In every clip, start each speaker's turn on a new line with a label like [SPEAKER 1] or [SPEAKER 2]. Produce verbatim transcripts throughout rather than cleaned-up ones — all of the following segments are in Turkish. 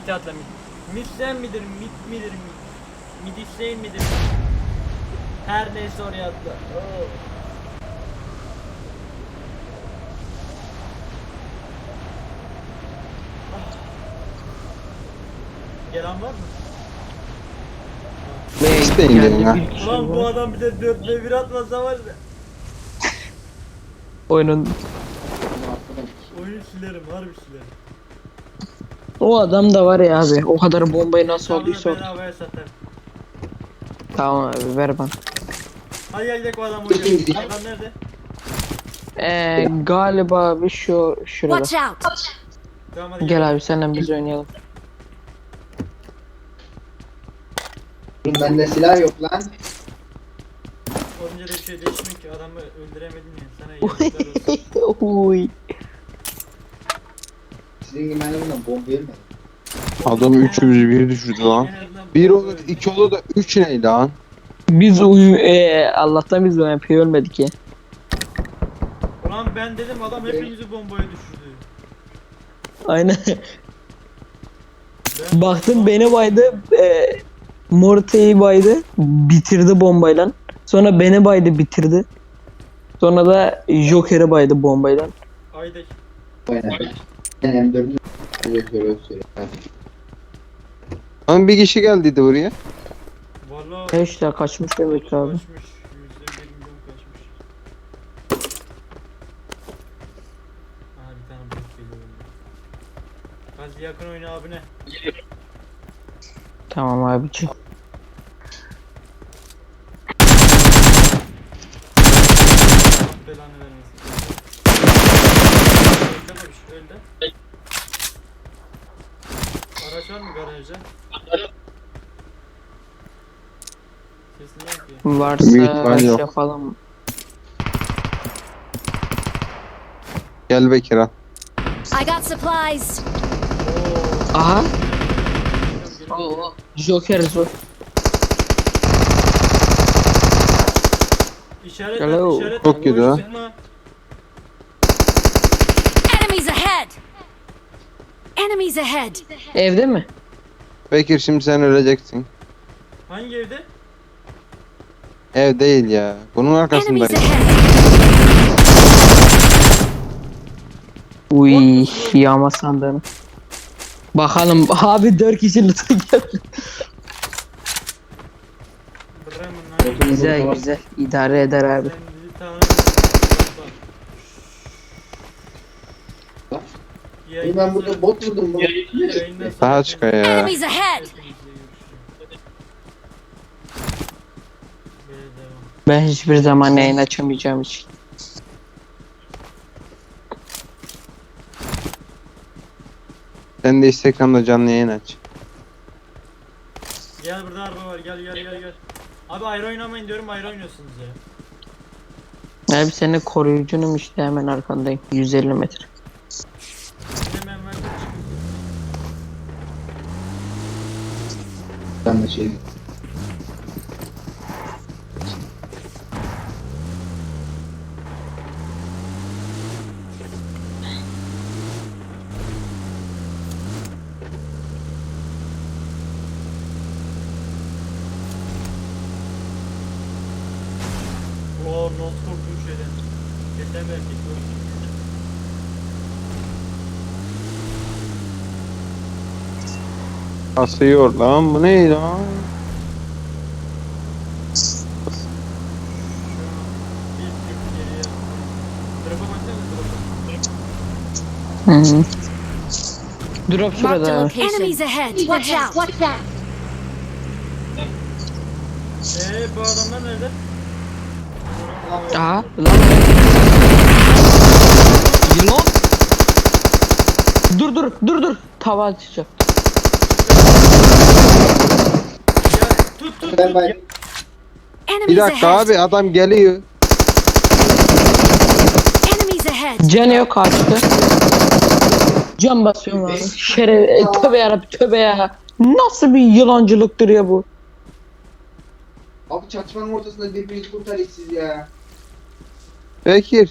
[SPEAKER 1] Mid'e atla mid. Mid sen midir? Mid midir? Mid, mid Hüseyin midir? Her neyse oraya atla. Oh. Gelen var mı?
[SPEAKER 2] İsteyin gelin ha.
[SPEAKER 1] Ulan bu adam bir de dört ve bir atmasa var ya.
[SPEAKER 3] Oyunun
[SPEAKER 1] Oyunu silerim, harbi silerim.
[SPEAKER 3] o adam da var ya abi. O kadar bombayı nasıl
[SPEAKER 1] Tamam,
[SPEAKER 3] olduysa orada.
[SPEAKER 1] bedavaya satarım.
[SPEAKER 3] Tamam abi ver bana.
[SPEAKER 1] Hadi gel gidelim o adam oynayalım. Adam nerede?
[SPEAKER 3] Ee, galiba bir şu şurada.
[SPEAKER 4] Watch out!
[SPEAKER 1] Tamam hadi
[SPEAKER 3] Gel abi senden biz oynayalım.
[SPEAKER 2] Bende silah yok lan.
[SPEAKER 1] Olunca da bir şey değişmiyor ki, adamı öldüremedin ya. Sana yazıklar olsun.
[SPEAKER 3] Uy.
[SPEAKER 2] Sizin gibi bana bomba yermedi.
[SPEAKER 5] Adam üçümüzü bir düşürdü lan.
[SPEAKER 1] En azından
[SPEAKER 5] Bir
[SPEAKER 1] bu
[SPEAKER 5] olur,
[SPEAKER 1] öldü.
[SPEAKER 5] iki olur da üç neydi lan?
[SPEAKER 3] Biz uyu ee, Allah'tan biz bu M P'yi ölmedik ya.
[SPEAKER 1] Ulan ben dedim adam hepimizi bombaya düşürdü.
[SPEAKER 3] Aynen.
[SPEAKER 1] Ben
[SPEAKER 3] Baktım beni baydı. E, Morte'yi baydı. Bitirdi bombayla. Sonra beni baydı bitirdi. Sonra da Joker'i baydı bombayla.
[SPEAKER 1] Ayda
[SPEAKER 2] Aynen. Ben M dördü öyle söyle söyle.
[SPEAKER 5] Lan bir kişi geldiydi buraya.
[SPEAKER 1] valla
[SPEAKER 3] E işte kaçmış demek abi.
[SPEAKER 1] kaçmış. Yüzde bir milyon kaçmış. Aha bir tane bot geliyor. Hadi yakın oyna abine.
[SPEAKER 3] Tamam abiciğim.
[SPEAKER 1] Allah belanı vermesin. Öldü babiş, öldü. Araç var mı garajda? Sesini yok ya.
[SPEAKER 5] Büyük
[SPEAKER 3] Varsa
[SPEAKER 5] ihtimal
[SPEAKER 3] şey
[SPEAKER 5] yok.
[SPEAKER 3] yapalım.
[SPEAKER 5] Gel Bekir al.
[SPEAKER 4] I got supplies!
[SPEAKER 3] Aha.
[SPEAKER 1] Geliyorum, geliyorum.
[SPEAKER 3] Joker zor.
[SPEAKER 1] İşaret
[SPEAKER 3] Hello.
[SPEAKER 1] at, işaret
[SPEAKER 5] Çok
[SPEAKER 1] at.
[SPEAKER 5] kötü
[SPEAKER 1] Boş
[SPEAKER 5] ha.
[SPEAKER 1] sıkma.
[SPEAKER 4] Enemies ahead! Enemies ahead!
[SPEAKER 3] Evde mi?
[SPEAKER 5] Bekir şimdi sen öleceksin.
[SPEAKER 1] Hangi evde?
[SPEAKER 5] Ev değil ya. Bunun
[SPEAKER 4] Enemies
[SPEAKER 5] arkasındayım.
[SPEAKER 4] ahead!
[SPEAKER 3] Uy yağma sandığını. Bakalım abi dört kişi lütfen geldi.
[SPEAKER 1] Bremen lan.
[SPEAKER 3] Güzel güzel idare eder abi.
[SPEAKER 1] Sen bizi tanımıyorsun. Bak, bak.
[SPEAKER 2] Oğlum ben burada bot vurdum lan.
[SPEAKER 1] Yayından sonra
[SPEAKER 5] Daha çıkıyor ya.
[SPEAKER 4] Enemies ahead!
[SPEAKER 1] hepinizle görüşürüz. Böyle devam.
[SPEAKER 3] Ben hiçbir zaman yayın açamayacağım için.
[SPEAKER 5] Sen de Instagram'da canlı yayın aç.
[SPEAKER 1] Gel burada araba var, gel gel gel gel. Abi ayrı oynamayın diyorum, ayrı oynuyorsunuz ya.
[SPEAKER 3] Abi senin koruyucunum işte hemen arkandayım. yüz elli metre.
[SPEAKER 1] Hemen ver de çıkın.
[SPEAKER 2] Ben de şey.
[SPEAKER 1] Oo, not korktum şeyden. Geçen bir erkek bu.
[SPEAKER 5] Asıyor lan, bu neydi lan?
[SPEAKER 1] Bir tık geriye. Drop'a baksana, drop'a.
[SPEAKER 3] Hı hı. Drop
[SPEAKER 4] Marked
[SPEAKER 3] şurada
[SPEAKER 4] a
[SPEAKER 3] abi.
[SPEAKER 4] location. Enemies ahead! Watch out! Watch out!
[SPEAKER 1] Eee bu adamlar nerede?
[SPEAKER 3] Aha lan. Yılan. Dur dur dur dur. Tava atacak.
[SPEAKER 1] Ya tut tut
[SPEAKER 2] Ben
[SPEAKER 1] tut.
[SPEAKER 2] ben
[SPEAKER 5] Bir
[SPEAKER 4] Enemies
[SPEAKER 5] dakika
[SPEAKER 4] ahead!
[SPEAKER 5] abi, adam geliyor.
[SPEAKER 4] Enemies ahead!
[SPEAKER 3] Can yok kaçtı. Can basıyorum abi. Şeref. E, tövbe yarabbim tövbe ya. Nasıl bir yılancılıktır ya bu?
[SPEAKER 2] Abi çatışmanın ortasında birbirinizi kurtarın siz ya.
[SPEAKER 5] Bekir.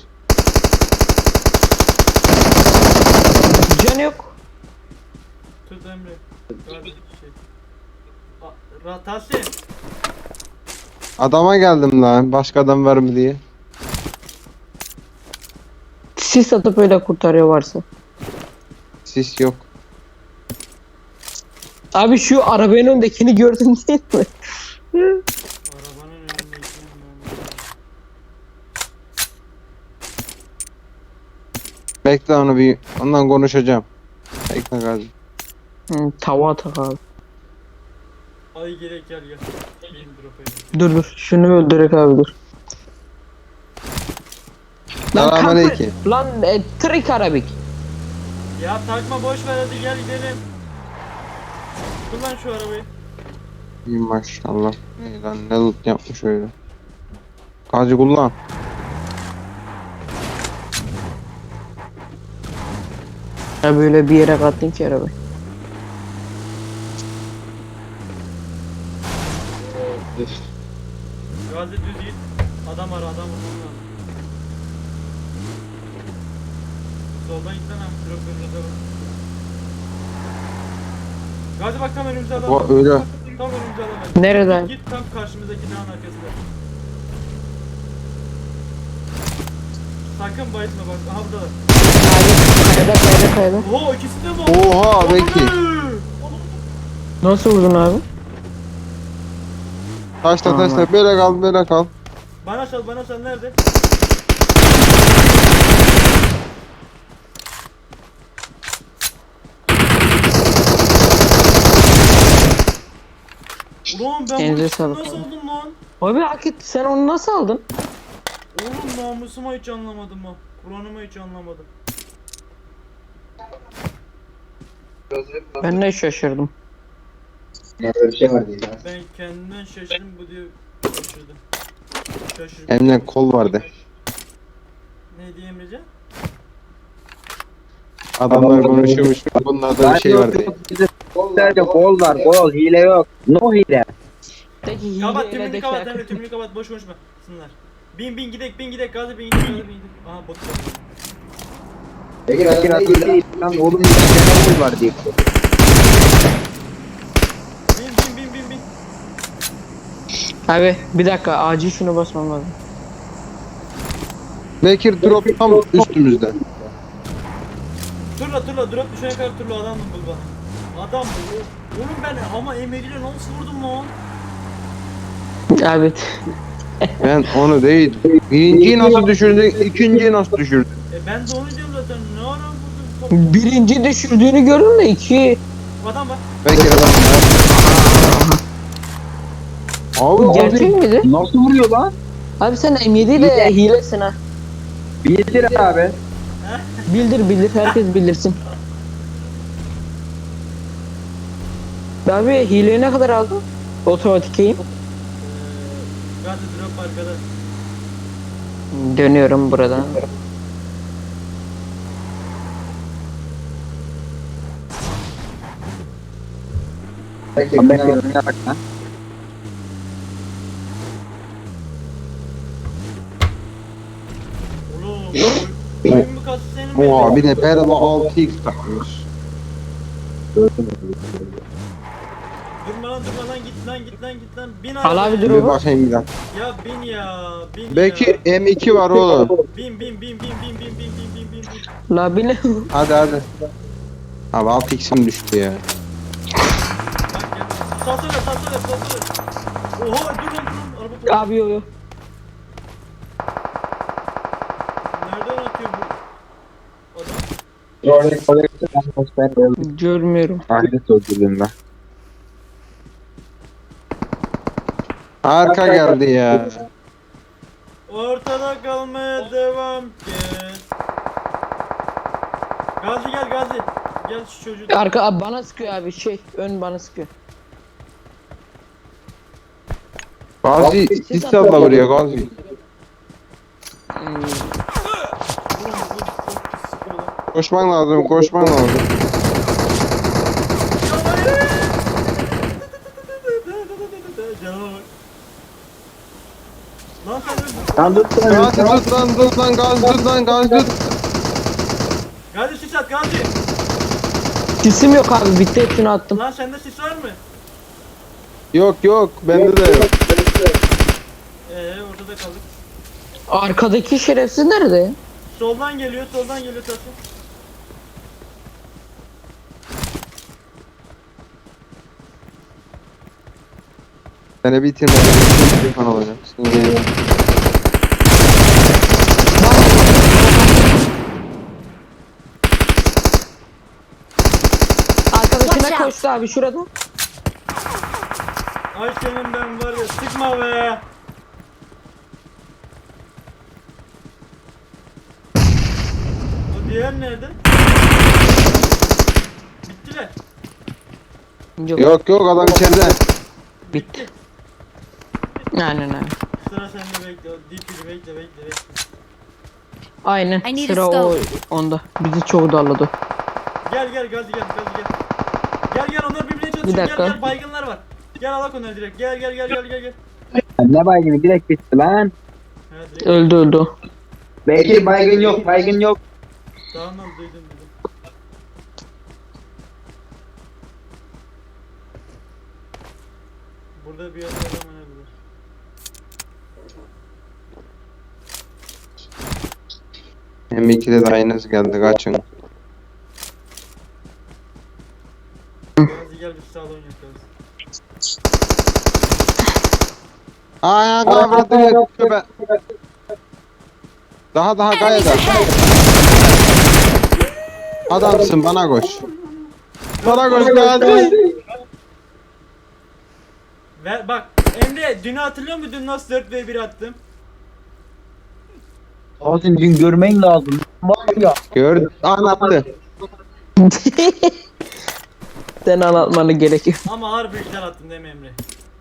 [SPEAKER 3] Can yok.
[SPEAKER 1] Tut Emre. Gazi şey. A- Ra- Tahsin.
[SPEAKER 5] Adama geldim lan. Başka adam var mı diye.
[SPEAKER 3] Sis atıp öyle kurtarıyor varsa.
[SPEAKER 5] Sis yok.
[SPEAKER 3] Abi şu arabanın öndekini gördün değil mi?
[SPEAKER 1] Arabanın önündeki
[SPEAKER 5] Bekle onu bir. Ondan konuşacağım. Bekle Gazi.
[SPEAKER 3] Hı, tava atak abi.
[SPEAKER 1] Ay gerek gel gel. Benim drop'a
[SPEAKER 3] Dur dur şunu öldürek abi dur. Lan
[SPEAKER 5] Selamünaleyküm.
[SPEAKER 3] kapı- Lan e, trik arabik.
[SPEAKER 1] Ya takma boş ver hadi gel gidelim. Kullan şu arabayı.
[SPEAKER 5] İyi maşallah. İyi lan ne loot yapmış öyle. Gazi kullan.
[SPEAKER 3] Ya böyle bir yere kattın ki arabayı.
[SPEAKER 1] Gazi düz git. Adam ara adam vurmam lazım. Soldan git lan abi. Drop önünüze bak. Gazi bak tam önümüzde adam
[SPEAKER 5] O
[SPEAKER 1] var.
[SPEAKER 5] öyle.
[SPEAKER 1] Tam önümüzde adam var.
[SPEAKER 3] Nereden?
[SPEAKER 1] Git tam karşımızdaki dağın arkasında. Sakın bayılma bak. Aha buradalar.
[SPEAKER 3] Kayada kayada kayada.
[SPEAKER 1] Oo ikisi de mi?
[SPEAKER 5] Oha Beki.
[SPEAKER 3] Nasıl vurdun abi?
[SPEAKER 5] Taşla
[SPEAKER 3] Tamam.
[SPEAKER 5] taşla böyle kal böyle kal.
[SPEAKER 1] Bana sal bana sal nerede? Ulan ben
[SPEAKER 3] Elinize
[SPEAKER 1] bunu
[SPEAKER 3] sağlık
[SPEAKER 1] nasıl
[SPEAKER 3] abi.
[SPEAKER 1] oldum lan?
[SPEAKER 3] Abi hak etti sen onu nasıl aldın?
[SPEAKER 1] Oğlum namusuma hiç anlamadım ha. Kur'an'ıma hiç anlamadım.
[SPEAKER 3] Ben de şaşırdım.
[SPEAKER 2] Ya böyle bir şey var diye. ya.
[SPEAKER 1] Ben kendimden şaşırdım bu diyor şaşırdım. Şaşırdım.
[SPEAKER 5] Eline kol vardı.
[SPEAKER 1] Ne diye Emrecan?
[SPEAKER 5] Adamlar konuşuyormuş. Bunlarda bir şey vardı.
[SPEAKER 6] Sadece gol var, gol, hile yok. No hile.
[SPEAKER 3] Peki
[SPEAKER 1] Kapat
[SPEAKER 3] hileyle
[SPEAKER 1] tümünü
[SPEAKER 3] de
[SPEAKER 1] kapat
[SPEAKER 3] şarkı-
[SPEAKER 1] Emre tümünü kapat boş konuşma. Sınırlar. Bin bin gidek bin gidek gazi bin gidek gazi bin gidek. Aha bot geldi.
[SPEAKER 2] Peki
[SPEAKER 6] Bakın
[SPEAKER 2] adam
[SPEAKER 6] atıyor
[SPEAKER 2] değil
[SPEAKER 6] değil.
[SPEAKER 2] lan.
[SPEAKER 6] Lan oğlum bir tane gol var diye.
[SPEAKER 1] Bin bin bin bin bin.
[SPEAKER 3] Abi bir dakika acil şunu basmam lazım.
[SPEAKER 5] Bekir drop tam üstümüzde.
[SPEAKER 1] Turla turla drop düşene kadar turla adam bul bana. Adam bul. Oğlum ben ama emeliyle nasıl vurdum lan?
[SPEAKER 3] Abi
[SPEAKER 5] Ben onu değil. Birinciyi nasıl düşürdün, ikinciyi nasıl düşürdün?
[SPEAKER 1] E ben de onu diyorum zaten. Ne ara vurdum?
[SPEAKER 3] birinci düşürdüğünü gördün de iki.
[SPEAKER 1] Adam var.
[SPEAKER 5] Bekir adam var. Abi
[SPEAKER 3] Gerçek
[SPEAKER 5] abi.
[SPEAKER 3] miydi?
[SPEAKER 6] Nasıl vuruyor lan?
[SPEAKER 3] Abi sen M yedi ile hilesin ha.
[SPEAKER 6] Bildir abi.
[SPEAKER 3] Bildir bildir herkes bildirsin. Abi hileyi ne kadar aldın? Otomatik aim.
[SPEAKER 1] Ee, gazi drop arkada.
[SPEAKER 3] Dönüyorum buradan.
[SPEAKER 2] Peki
[SPEAKER 6] Abi
[SPEAKER 2] ben
[SPEAKER 6] ben önüne bak lan.
[SPEAKER 1] Oğlum. Oyun mu kastı senin mi?
[SPEAKER 5] Oha bir de Berla altı x takmış.
[SPEAKER 1] Durma lan durma lan git lan git lan git lan. Bin
[SPEAKER 3] Al abi,
[SPEAKER 1] arabaya.
[SPEAKER 3] dur.
[SPEAKER 5] Bir bakayım bir dakika.
[SPEAKER 1] Ya bin ya. Bin
[SPEAKER 5] Bekir
[SPEAKER 1] ya.
[SPEAKER 5] M iki var oğlum.
[SPEAKER 1] Bin bin bin bin bin bin bin bin bin bin bin.
[SPEAKER 3] La bile.
[SPEAKER 5] Hadi hadi. Abi altı x'im düştü ya.
[SPEAKER 1] Bak ya. Salsana salsana salsana. Oha dur lan dur lan. Araba patladı.
[SPEAKER 3] Abi yo yo.
[SPEAKER 1] Nereden atıyor bu? Adam.
[SPEAKER 6] Ben de öldüm.
[SPEAKER 3] Görmüyorum.
[SPEAKER 6] Ahiret öldürdüm ben.
[SPEAKER 5] Arka geldi ya.
[SPEAKER 1] Ortada kalmaya devam ki. Gazi gel Gazi. Gel şu çocuğu.
[SPEAKER 3] Arka abi bana sıkıyor abi şey ön bana sıkıyor.
[SPEAKER 5] Gazi sis salla buraya Gazi.
[SPEAKER 3] Hmm,
[SPEAKER 1] Vurun, vurun, çok pis sıkıyor lan.
[SPEAKER 5] Koşman lazım koşman lazım.
[SPEAKER 1] Canıma bak. Lan sen öldün.
[SPEAKER 6] Lan dur sen
[SPEAKER 5] Gazi tut lan tut lan Gazi tut lan Gazi tut.
[SPEAKER 1] Gazi sis at Gazi.
[SPEAKER 3] Sisim yok abi, bitti, hepsini attım.
[SPEAKER 1] Lan sende sis var mı?
[SPEAKER 5] Yok yok bende de yok.
[SPEAKER 1] Eee ortada kaldık.
[SPEAKER 3] Arkadaki şerefsiz nerede ya?
[SPEAKER 1] Soldan geliyor, soldan geliyor Tahsin.
[SPEAKER 5] Seni bitirmeden telefon alacağım. Şimdi
[SPEAKER 4] Watch
[SPEAKER 3] Arkadaşına
[SPEAKER 4] out.
[SPEAKER 3] koştu abi şurada.
[SPEAKER 1] Ay senin ben var ya, sıkma be. O diğer nerede? Bittiler.
[SPEAKER 3] Yok.
[SPEAKER 5] yok yok adam içeride.
[SPEAKER 3] Bitti. Aynen aynen.
[SPEAKER 1] Sıra sende, bekle. O dipini bekle, bekle, bekle.
[SPEAKER 3] Aynen
[SPEAKER 4] I need
[SPEAKER 3] sıra
[SPEAKER 4] a
[SPEAKER 3] o
[SPEAKER 4] scope.
[SPEAKER 3] onda. Bizi çok darladı.
[SPEAKER 1] Gel gel gazi gel, gazi gel. Gel gel, onlar birbirine
[SPEAKER 3] Bir
[SPEAKER 1] çalışıyor. Gel
[SPEAKER 3] dakika.
[SPEAKER 1] gel, baygınlar var. Gel alak onları direkt. Gel gel gel gel gel gel.
[SPEAKER 6] Ne baygını direkt bitti lan.
[SPEAKER 1] Ha, direkt.
[SPEAKER 3] Öldü öldü o.
[SPEAKER 6] Belki baygın yok baygın yok.
[SPEAKER 1] Tamam tamam, duydum duydum. Burada bir yerde adam ölebilir.
[SPEAKER 5] M ikide de aynısı geldi kaçın.
[SPEAKER 1] Gazi gel, biz sağda oynayalım.
[SPEAKER 5] Aa kavradı köpe. Daha daha
[SPEAKER 4] Enemies
[SPEAKER 5] kayada.
[SPEAKER 4] ahead!
[SPEAKER 5] Adamsın bana koş. Bana koş Gazi.
[SPEAKER 1] Ver bak Emre, dünü hatırlıyor musun? Dün nasıl dört ve bir attım?
[SPEAKER 6] Tahsin dün görmen lazım. Var ya.
[SPEAKER 5] Gör anlattı.
[SPEAKER 3] Sen anlatmanı gerekiyor.
[SPEAKER 1] Ama harbi güzel attım değil mi Emre?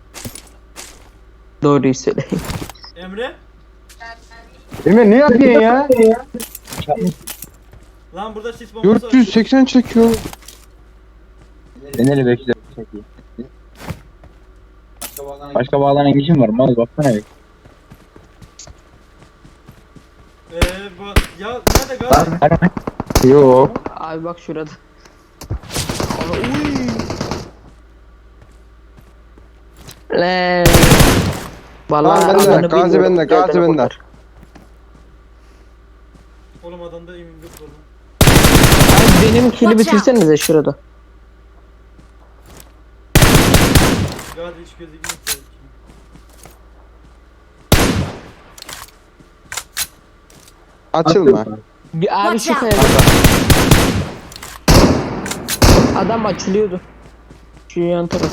[SPEAKER 3] Doğruyu söyle.
[SPEAKER 1] Emre?
[SPEAKER 5] Emre ne yapıyorsun ya?
[SPEAKER 1] Lan burada sis bombası var.
[SPEAKER 5] dört yüz seksen çekiyor.
[SPEAKER 6] Ben hele bekle. çekeyim. Başka bağlanan işim var. Mal baksana bir.
[SPEAKER 1] Eee bak ya, nerede Gazi?
[SPEAKER 5] Yo.
[SPEAKER 3] Abi bak şurada. Lan. Vallahi
[SPEAKER 5] Tamam, bende,
[SPEAKER 3] adını
[SPEAKER 5] Gazi
[SPEAKER 3] bilmiyorum.
[SPEAKER 5] bende,
[SPEAKER 3] Gel
[SPEAKER 5] Gazi
[SPEAKER 3] beni
[SPEAKER 5] bende.
[SPEAKER 3] kurtar.
[SPEAKER 1] Oğlum adamda immündür var lan.
[SPEAKER 3] Abi benim kili
[SPEAKER 4] Watch out.
[SPEAKER 3] bitirsenize şurada.
[SPEAKER 1] Gazi hiç gözükmüyor.
[SPEAKER 5] Açılma.
[SPEAKER 3] Bir abi
[SPEAKER 4] Watch
[SPEAKER 3] şu
[SPEAKER 4] out.
[SPEAKER 3] kayada. Adam açılıyordu. Şu yan taraf.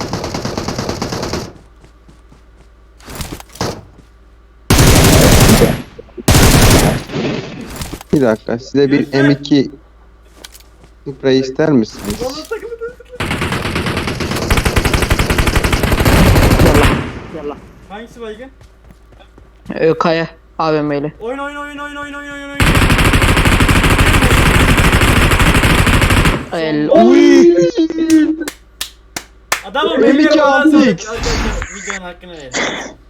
[SPEAKER 5] Bir dakika size bir M iki sprey ister misiniz?
[SPEAKER 1] Vallahi takımı da.
[SPEAKER 3] Yallah.
[SPEAKER 1] Hangisi baygın?
[SPEAKER 3] Ee, kaya A V M'yle.
[SPEAKER 1] Oyun oyun oyun oyun oyun oyun oyun oyun.
[SPEAKER 3] El.
[SPEAKER 1] Adamım
[SPEAKER 5] M iki
[SPEAKER 1] benim
[SPEAKER 5] altı
[SPEAKER 1] Arkadaşlar
[SPEAKER 5] X.
[SPEAKER 1] videonun hakkını verin.